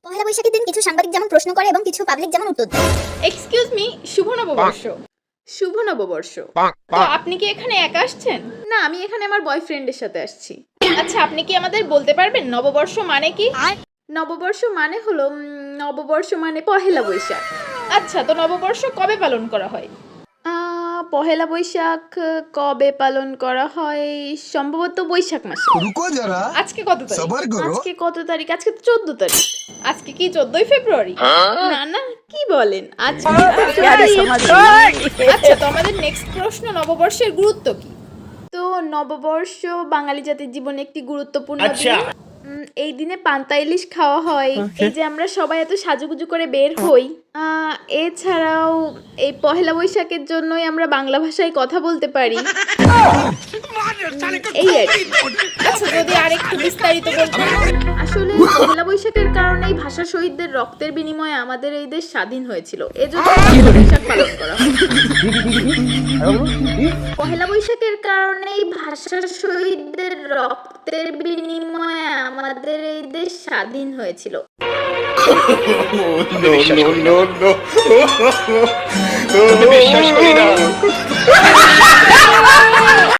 পহেলা বৈশাখের দিন কিছু সাংবাদিক যেমন প্রশ্ন করে এবং কিছু পাবলিক যেমন উত্তর দেয়। এক্সকিউজ মি, শুভ নববর্ষ। শুভ নববর্ষ। তো আপনি কি এখানে একা আসছেন? না, আমি এখানে আমার বয়ফ্রেন্ডের সাথে আসছি। আচ্ছা, আপনি কি আমাদের বলতে পারবেন নববর্ষ মানে কি? নববর্ষ মানে হলো নববর্ষ মানে পহেলা বৈশাখ। আচ্ছা, তো নববর্ষ কবে পালন করা হয়? পহেলা বৈশাখ কবে পালন করা হয়? সম্ভবত বৈশাখ মাসে। रुको जरा আজকে কত তারিখ? সবার করো। আজকে কত তারিখ? আজকে তো 14 তারিখ। আজকে কি 14ই ফেব্রুয়ারি? না না, কি বলেন? আজকে আচ্ছা, তো আমাদের নেক্সট প্রশ্ন, নববর্ষের গুরুত্ব কি? তো নববর্ষ বাঙালি জাতির জীবনে একটি গুরুত্বপূর্ণ দিন। এই দিনে পান্তা ইলিশ খাওয়া হয়। এই যে আমরা সবাই এত সাজুগুজু করে বের হই। এছাড়াও এই পহেলা বৈশাখের জন্যই আমরা বাংলা ভাষায় কথা বলতে পারি। এই আর কি। আচ্ছা, যদি আরেকটু বিস্তারিত বলতেন। আসলে পহেলা বৈশাখের কারণেই ভাষা শহীদদের রক্তের বিনিময়ে আমাদের এই দেশ স্বাধীন হয়েছিল। এজন্য পহেলা বৈশাখ পালন করা হয়। পহেলা বৈশাখের কারণেই ভাষা শহীদদের রক্তের বিনিময়ে আমাদের এই দেশ স্বাধীন হয়েছিল। বিশ্বাস করি না